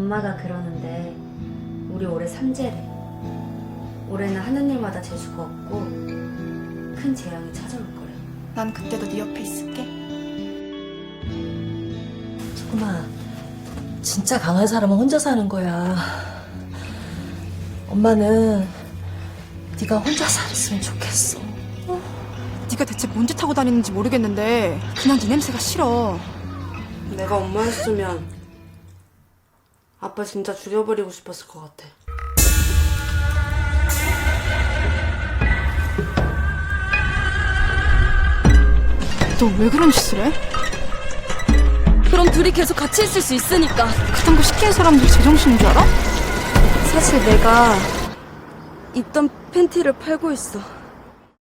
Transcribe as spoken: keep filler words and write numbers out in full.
엄마가 그러는데 우리 올해 삼재래. 올해는 하는 일마다 재수가 없고 큰 재앙이 찾아올 거래. 난 그때도 네 옆에 있을게. 소금아, 진짜 강한 사람은 혼자 사는 거야. 엄마는 네가 혼자 살았으면 좋겠어. 네가 대체 뭔 짓 하고 다니는지 모르겠는데 그냥 네 냄새가 싫어. 내가 엄마였으면 아빠 진짜 죽여버리고 싶었을 것 같아. 너 왜 그런 짓을 해? 그럼 둘이 계속 같이 있을 수 있으니까. 그딴 거 시키는 사람들이 제정신인 줄 알아? 사실 내가 입던 팬티를 팔고 있어.